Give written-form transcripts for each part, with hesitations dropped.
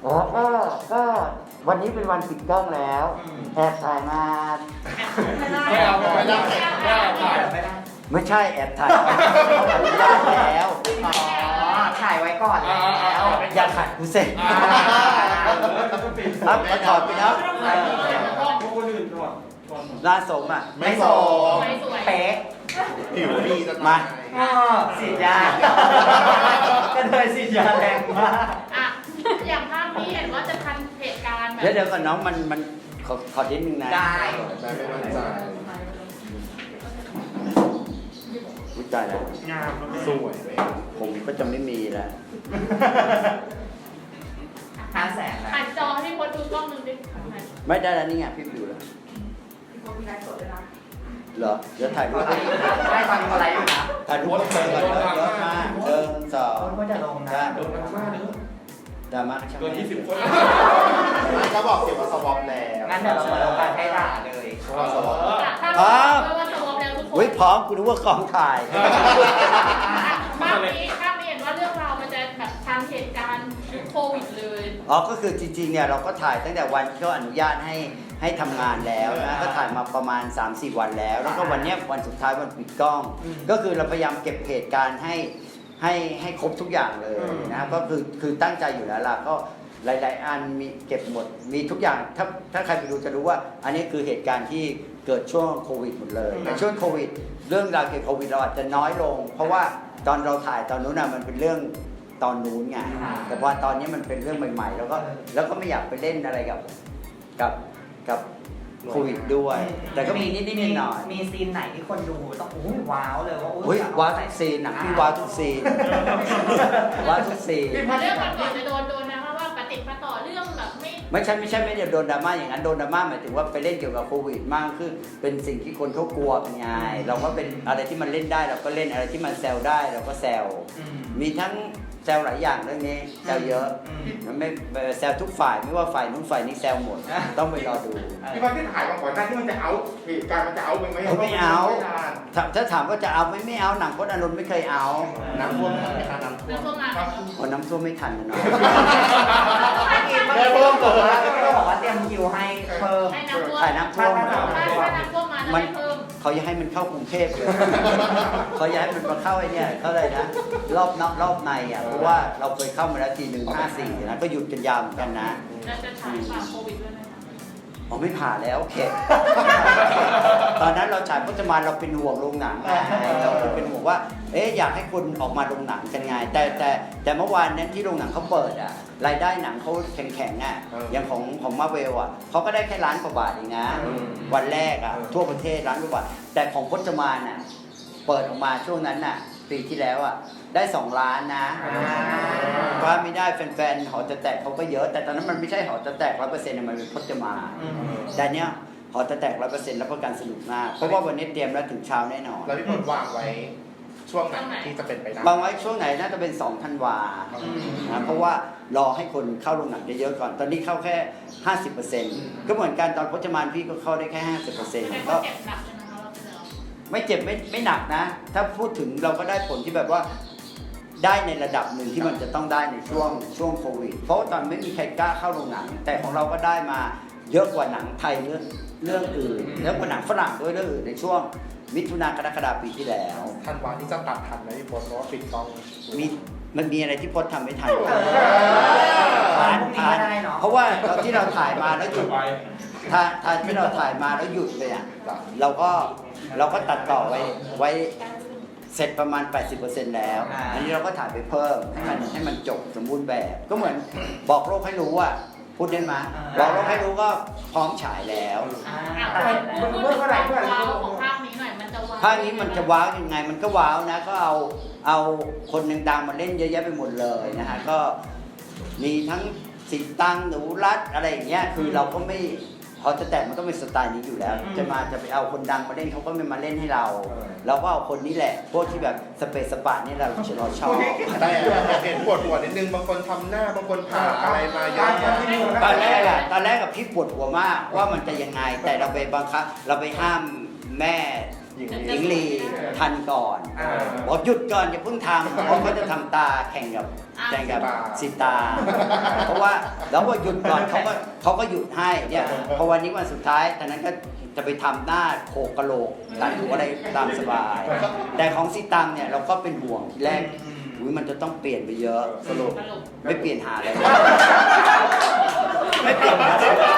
อ๋อก็วันนี้เป็นวันปิดกล้องแล้วแอบถ่ายมาไม่เอาไม่ได้ไม่เอาถ่ายไม่ใช่แอบถ่ายเขาอนุญาตแล้วอ๋อถ่ายไว้ก่อนแล้วอย่าขัดกูเสร็จครับมาถอดไปแล้วคนอื่นก่อนหน้าสมอ่ะไม่โสมเป๊ะผิวดีจะมาฉีดยาก็เลยฉีดยาแรงมากอ่ะอย่างภาพนี้เห็นว่าจะทันเหตุการณ์แบบเดี๋ยวก่อนน้องมันขอนิดนึงนะได้แต่ไม่มั่นใจอุ๊ยตายแล้วงามสวยเลยผมก็จะไม่มีแล้ว 500,000นะหันจอให้คนดูกล้องหนึ่งดิไม่ได้แล้วนี่ไงพี่อยู่แล้วเหรอเดี๋ยวถ่ายรูปได้ตอนนี้อะไรอยู่นะถ่ายรูปก่อนเยอะมากสองคนก็จะลงนะโดนมากเลยดราม่าช่างเกิน20 คนก็บอกสิว่าสวอปแล้วงั้นเดี๋ยวเรามาลงกันให้ด่าเลยว่าสวอปถ้าเราว่าสวอปแล้วทุกคนอุ้ยพร้อมกูนึกว่ากองถ่ายภาพนี้เห็นว่าเรื่องราวมันจะแบบทันเหตุการณ์โควิดเลยอ๋อก็คือจริงๆเนี่ยเราก็ถ่ายตั้งแต่วันที่เขาอนุญาตให้ทำงานแล้วนะก็ถ่ายมาประมาณ 3-4 วันแล้ว แล้วก็วันเนี้ยวันสุดท้ายวันปิดกล้อง ก็คือเราพยายามเก็บเหตุการณ์ให้ครบทุกอย่างเลยนะครับก็คือตั้งใจอยู่แล้วล่ะก็หลายๆอันมีเก็บหมดมีทุกอย่างถ้าใครไปดูจะรู้ว่า อันนี้คือเหตุการณ์ที่เกิดช่วงโควิดหมดเลยในช่วงโควิดเรื่องราวเกี่ยวกับโควิดเราอาจจะน้อยลง เพราะว่าตอนเราถ่ายตอนนู้นน่ะมันเป็นเรื่องตอนนู้นไงแต่พอตอนนี้มันเป็นเรื่องใหม่ๆแล้วก็ไม่อยากไปเล่นอะไรกับโควิดด้วย แต่ก็มีนิดๆหน่อยๆมีซีนไหนที่คนดูต้องอุ้ยว้าวเลยว่าเฮ้ยว้าวทุกซีนหนังพี่ว้าวทุกซีนว้าวทุกซีนเรื่องก่อนจะโดนนะว่าปฏิปต่อเรื่องแบบไม่ใช่ไม่ได้โดนดราม่าอย่างนั้นโดนดราม่าหมายถึงว่าไปเล่นเกี่ยวกับโควิดมากขึ้นเป็นสิ่งที่คนเขากลัวเป็นไงเราก็เป็นอะไรที่มันเล่นได้เราก็เล่นอะไรที่มันแซวได้เราก็แซวมีทั้งแซวหลายอย่างเรื่องนี้แซวเยอะมันไม่แซวทุกฝ่ายไม่ว่าฝ่ายนู้นฝ่ายนี้แซวหมดต้องไปรอดูพี่ว่าที่ถ่ายมาก่อนหน้าที่มันจะเอาเหตุการณ์มันจะเอาไหมไม่เอาถ้าถามว่าจะเอาไม่เอาหนังพจน์อานนท์ไม่เคยเอาน้ำท่วมไหมคะน้ำท่วเรื่มองพวกนั้นพอน้ำท่วมไม่ทันนะเนาะแม่เพิ่มตัวก็บอกว่าเตรียมคิวให้เพิ่มให้น้ำท่วมถ่ายน้ำท่วมถ้าน้ำท่วมมาจะไม่เพิ่มเขาอยากให้มันเข้ากรุงเทพเลย เขาอยากให้มันมาเข้าไอ้เนี่ยเขาเลยนะรอบนอกรอบในอ่ะเพราะว่าเราเคยเข้ามาแล้วที154นะก็หยุดกันยาวเหมือนกันนะจะฉายฝ่าโควิดด้วยไหมคะอ๋อไม่ผ่าแล้วเข็ด ตอนนั้นเราฉายพจมานเราเป็นห่วงโรงหนังไงเราเป็นห่วงว่าอยากให้คนออกมาโรงหนังกันไงแต่เมื่อวานนั้นที่โรงหนังเขาเปิดอ่ะรายได้หนังเขาแข็งๆอ่ะอย่างของมาเวลอ่ะเขาก็ได้แค่1,000,000 กว่าบาทเองนะวันแรกอ่ะทั่วประเทศ1,000,000 กว่าบาทแต่ของพจมานอ่ะเปิดออกมาช่วงนั้นน่ะปีที่แล้วอ่ะได้2 ล้านนะว่าไม่ได้แฟนๆหอจะแตกเขาก็เยอะแต่ตอนนั้นมันไม่ใช่หอจะแตก100%มันเป็นพจมานแต่เนี้ยหอจะแตก100%แล้วประกันสนุกมากเพราะว่าวันนี้เตรียมแล้วถึงเช้าแน่นอนแล้วพี่พลวางไว้ช่วงไหนที่จะเป็นไปได้บางไว้ช่วงไหนน่าจะเป็น2 ธันวานะเพราะว่ารอให้คนเข้าโรงหนังเยอะๆก่อนตอนนี้เข้าแค่ 50%ก็เหมือนกันตอนพจมานพี่ก็เข้าได้แค่ 50% แต่ก็ก็เจ็บหนักเลยนะคะเราเจอไม่เจ็บไม่หนักนะ ถ้าพูดถึงเราก็ได้ผลที่แบบว่าได้ในระดับหนึ่งที่มันจะต้องได้ในช่วงโควิดเพราะว่าตอนไม่มีใครกล้าเข้าโรงหนังแต่ของเราก็ได้มาเยอะกว่าหนังไทยเรื่องอื่นเยอะกว่าหนังฝรั่งด้วยเรื่องอื่นในช่วงมิถุนากรกฎาคมปีที่แล้วทันวาที่จะตัดทันไหมพี่พลเพราะว่าปิดกล้องมันมีอะไรที่พจน์ทำไม่ทันทันได้เนาะเพราะว่าตอนที่เราถ่ายมาแล้วหยุดถ้าที่เราถ่ายมาแล้วหยุดเลยอ่ะเราก็ตัดต่อไว้เสร็จประมาณ 80% แล้วอันนี้เราก็ถ่ายไปเพิ่มให้มันจบสมบูรณ์แบบ ก็เหมือนบอกโลกให้รู้ว่าพูดได้ไหมบอกโลกให้รู้ก็พร้อมฉายแล้วพูดถึงความว้าวของภาพนี้หน่อยมันจะว้าวภาคนี้มันจะว้าวยังไงมันก็ว้าวนะก็เอาคนดังๆมาเล่นเยอะแยะไปหมดเลยนะฮะก็มีทั้งสิตังหนูรัตอะไรอย่างเงี้ยคือเราก็ไม่พอจะแต่มันก็เป็นสไตล์นี้อยู่แล้วจะไปเอาคนดังมาเล่นเขาก็ไม่มาเล่นให้เราเราก็เอาคนนี้แหละพวกที่แบบสเปซสปานี่เราชอบแต่เห็นปวดหัวนิดนึงบางคนทำหน้าบางคนผ่าอะไรมาเยอะแยะตอนแรกกับพี่ปวดหัวมากว่ามันจะยังไงแต่เราไปบังคับเราไปห้ามแม่หญิงหญิงลีทันก่อนบอกหยุดก่อนอย่าเพิ่งทำเพราะเขาจะทำตาแข่งกับสิตา เพราะว่าแล้วว่าหยุดก่อนเขาก็หยุดให้เนี่ยพอวันนี้วันสุดท้ายตอนนั้นก็จะไปทำหน้าโขกกะโหลกตัดหัวอะไรตามสบาย แต่ของสิตังเนี่ยเราก็เป็นห่วงทีแรกอุ๊ยมันจะต้องเปลี่ยนไปเยอะสรุปไม่เปลี่ยนหาอะไรไม่เปลี่ยน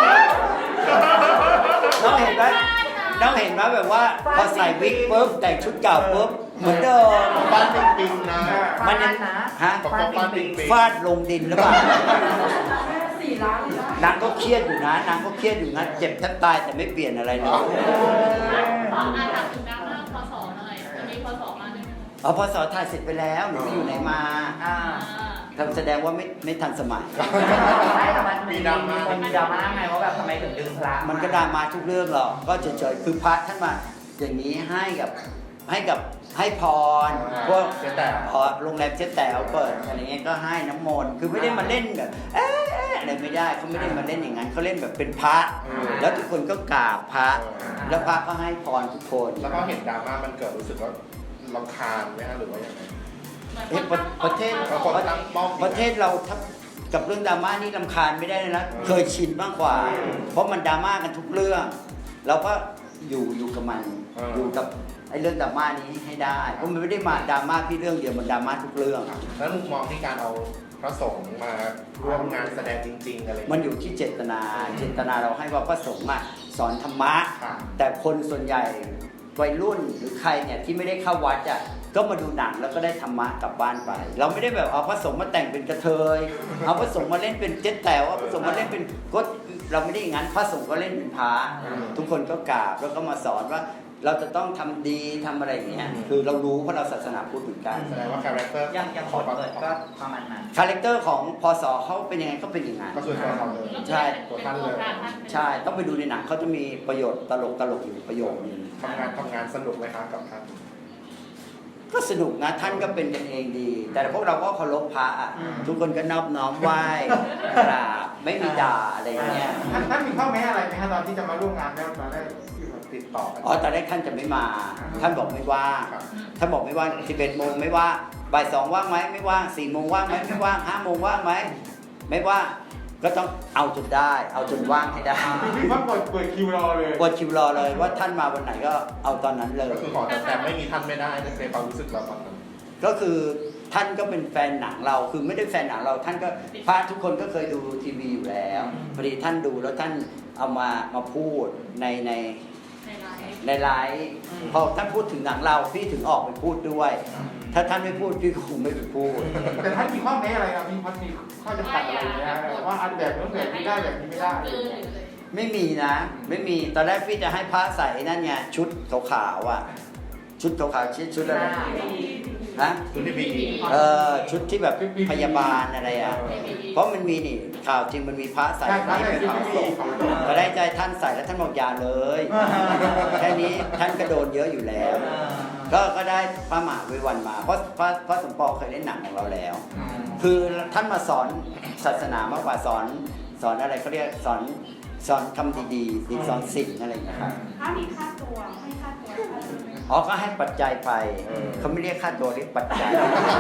น้องเห็นไหมแบบว่าพอใส่วิกปุ๊บแต่งชุดเก่าปุ๊บเหมือนเดิมบ้านปิงๆนะมันยังฮะบ้านปิงฟาดลงดินหรือเปล่านางก็เครียดอยู่นะเจ็บแทบตายแต่ไม่เปลี่ยนอะไรเลยถามถึงดราม่าพศหน่อยวันนี้พศมาด้วยไหมพศถ่ายเสร็จไปแล้วหนูไปอยู่ไหนมาทำแสดงว่าไม่ทันสมัยไม่แต่มันมีดราม่าไงว่าแบบทำไมถึงดึงพระมันก็ดราม่าทุกเรื่องหรอกก็เฉยๆคือพระท่านมาอย่างนี้ให้พรพวกโรงแรมเจ๊แต๋วเปิดอะไรเงี้ยก็ให้น้ำมนต์คือไม่ได้มาเล่นแบบอะไรไม่ได้เขาไม่ได้มาเล่นอย่างนั้นเขาเล่นแบบเป็นพระแล้วทุกคนก็กราบพระแล้วพระก็ให้พรทุกคนแล้วก็เห็นดราม่ามันเกิดรู้สึกว่ารำคาญไหมฮะหรือว่ายังไงประเทศเราถ้ากับเรื่องดราม่านี่รำคาญไม่ได้เลยนะเคยชินมากกว่า เพราะมันดราม่ากันทุกเรื่องเราก็อยู่กับมันอยู่กับไอ้เรื่องดราม่านี้ให้ได้เพราะมันไม่ได้มาดราม่าพี่เรื่องเดียวมันดราม่าทุกเรื่องแล้วมุมมองที่การเอาพระสงฆ์มาร่วมงานแสดงจริงๆอะไรมันอยู่ที่เจตนาเราให้ว่าพระสงฆ์สอนธรรมะค่ะแต่คนส่วนใหญ่วัยรุ่นหรือใครเนี่ยที่ไม่ได้เข้าวัดก็มาดูหนังแล้วก็ได้ธรรมะกลับบ้านไป เราไม่ได้แบบเอาพระสงฆ์มาแต่งเป็นกระเทยเอาพระสงฆ์มาเล่นเป็นเจ๊แต๋วเอาพระสงฆ์มาเล่นเป็นก็เราไม่ได้อย่างนั้นพระสงฆ์ก็เล่นเป็นพระทุกคนก็กราบแล้วก็มาสอนว่าเราจะต้องทำดีทำอะไรอย่างเงี้ยคือเรารู้เพราะเราศาสนาพุทธเหมือนกันแสดงว่าคาแรคเตอร์ยังขอเปิดก็ประมาณนั้นคาแรคเตอร์ของพศเขาเป็นยังไงก็เป็นอย่างนั้นก็คือตัวเขาเลยใช่ตัวท่านเลยใช่ต้องไปดูในหนังเขาจะมีประโยชน์ตลกอยู่ประโยคนึงทำงานสนุกไหมคะกับท่านก็สนุกนะท่านก็เป็นกันเองดี แต่พวกเราก็เคารพพระทุกคนก็นอบน้อมไหว้กราบไม่มีด่าอะไรอย่างเงี้ยท่านมีข้อแม้อะไรไหมฮะตอนที่จะมาร่วมงานแล้วตอนแรกที่ติดต่อกันตอนแรกท่านจะไม่มา ท่านบอกไม่ว่างท่านบอกไม่ว่าง11 โมงไม่ว่างบ่าย 2ว่างไหมไม่ว่าง4 โมงว่างไหมไม่ว่าง5 โมงว่างไหมไม่ว่างก็ต้องเอาจนได้เอาจนว่างให้ได้พี่ว่าเปิดคิวรอเลยเปิดคิวรอเลยว่าท่านมาวันไหนก็เอาตอนนั้นเลยก็คือขอแต่ไม่มีท่านไม่ได้ในความรู้สึกเราตอนนั้นก็คือท่านก็เป็นแฟนหนังเราคือไม่ได้แฟนหนังเราท่านก็พระทุกคนก็เคยดูทีวีอยู่แล้วพอดีท่านดูแล้วท่านเอามาพูดในไลฟ์พอท่านพูดถึงหนังเราพี่ถึงออกไปพูดด้วย ถ้าท่านไม่พูดพี่ก็คงไม่ไปพูดแต่ท่านมีข้อแม้อะไรครับพี่พัดมีข้อจำกัดอะไรนะว่าอันแบบนู้นแบบนี้ได้แบบนี้ไม่ได้ไม่มีนะไม่มีตอนแรกพี่จะให้พระใส่นั่นไงชุดขาวๆอ่ะชุดขาวๆชุดอะไรฮะคุณที่มีชุดที่แบบพยาบาลอะไรอ่ะเพราะมันมีนี่ข่าวจริงมันมีพระใส่ไม่เป็นพระสงฆ์ก็ได้ใจท่านใส่แล้วท่านบอกอย่าเลยแค่นี้ท่านก็โดนเยอะอยู่แล้วก็ได้พระมหาวิวันมาเพราะพระสมปองเคยเล่นหนังของเราแล้ว คือท่านมาสอนศาสนามากกว่าสอนอะไรเขาเรียกสอนคำดีๆสอนสิ่งอะไรอย่างเงี้ยครับถ้ามีค่าตัวให้ค่าตัวก็ให้ปัจจัยไปเขาไม่เรียกค่าตัวเรียกปัจจัย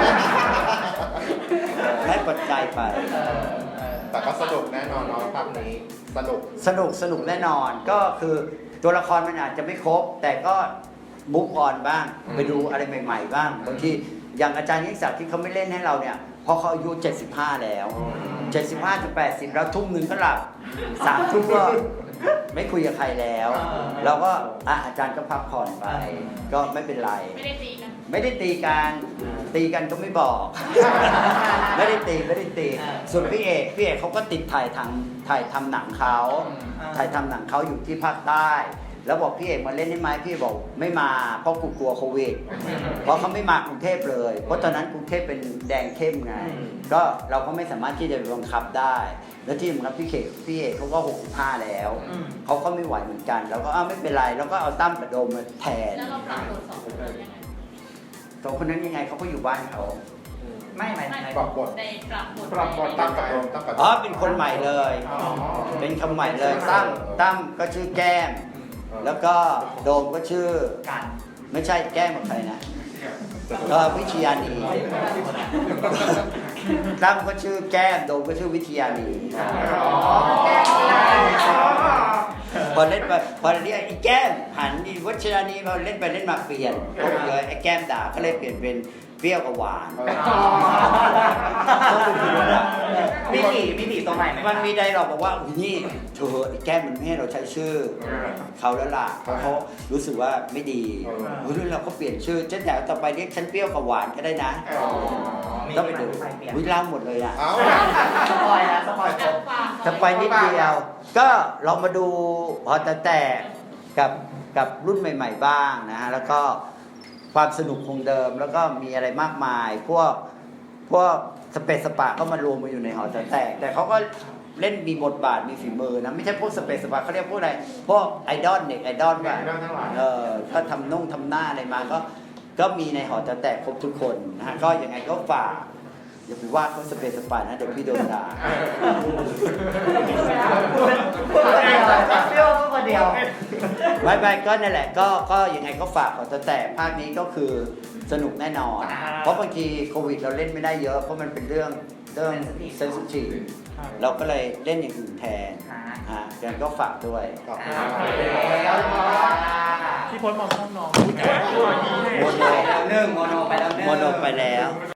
ให้ปัจจัยไปแต่ก็สนุกแน่นอนเนาะภาพนี้สนุกแน่นอนก็คือตัวละครมันอาจจะไม่ครบ แต่ก็มุกออนบ้างไปดูอะไรใหม่ๆบ้างบางทีอย่างอาจารย์ยิ่งศักดิ์ที่เขาไม่เล่นให้เราเนี่ยพอเขาอายุ75แล้ว75ถึง80แล้วทุ่มนึงก็หลับ3 ทุ่มก็ไม่คุยกับใครแล้วเราก็อาจารย์ก็พักผ่อนไปก็ไม่เป็นไรไม่ได้ตีกันก็ไม่บอก ไม่ได้ตีส่วนพี่เอกเขาก็ติดถ่ายทำหนังเขาอยู่ที่ภาคใต้แล้วบอกพี่เอกมาเล่นได้ไหมพี่บอกไม่มาเพราะกูกลัวโควิดเพราะเขาไม่มากรุงเทพเลยเพราะตอนนั้นกรุงเทพเป็นแดงเข้มไงก็เราก็ไม่สามารถที่จะบังคับได้แล้วที่สำคัญพี่เอกเขาก็65แล้วเขาก็ไม่ไหวเหมือนกันแล้วก็ไม่เป็นไรแล้วก็เอาตั้มกับโดมมาแทนแล้วเราปรับบท2 คนยังไง2 คนนั้นยังไงเขาก็อยู่บ้านเขาไม่ปรับบทตั้งกับโดมเป็นคนใหม่เลยเป็นคำใหม่เลยตั้มก็ชื่อแก้มแล้วก็โดมก็ชื่อกันไม่ใช่แก้มกับใครนะก็วิทยานีตั้มก็ชื่อแก้มโดมก็ชื่อวิทยานีพอเล่นไปพอเรียกไอ้แก้มหันดีวัชรานีพอเล่นไปเล่นมาเปลี่ยนก็เลยไอ้แก้มด่าก็เลยเปลี่ยนเป็นเปรี้ยวกับหวานก็คือว่ามีผีตัวใหม่ไหมมันมีไดร็อกบอกว่านี่เธอไอ้แก้มมันไม่ให้เราใช้ชื่อเขาแล้วล่ะเพราะเขารู้สึกว่าไม่ดีเฮ้ยเราก็เปลี่ยนชื่อเจ๊แถวต่อไปเรียกฉันเปรี้ยวกับหวานก็ได้นะต้องไปดูวิเล่าหมดเลยอ่ะเอ้าสปอยแล้วสปอยครบจะไปนิดเดียว ก็เรามาดูพอแตกกับรุ่นใหม่ ๆ บ้างนะฮะแล้วก็ความสนุกคงเดิมแล้วก็มีอะไรมากมาย พวกสเปซสปะก็มารวมมาอยู่ในหอแตกแต่เขาก็เล่นมีบทบาทมีฝีมือนะไม่ใช่พวกสเปซสปะเขาเรียกพวกอะไรพวกไอดอลเด็กไอดอลแบบก็ทำทำหน้าอะไรมาก็มีในหอแตกครบทุกคนนะฮะก็ยังไงก็ฝากอย่าไปว่าเขาสเปซสปะนะเดี๋ยวพี่โดนด่าเปรี้ยวคนเดียวไม่ก็นั่นแหละก็ยังไงก็ฝากขอแต่ภาคนี้ก็คือสนุกแน่นอน เพราะบางทีโควิดเราเล่นไม่ได้เยอะเพราะมันเป็นเรื่องเซนซิทีฟเราก็เลยเล่นอย่างอื่นแทนยังก็ฝากด้วยขอบคุณพี่พจน์มองน้องโมโนโมโนไปแล้วโมโนไปแล้ว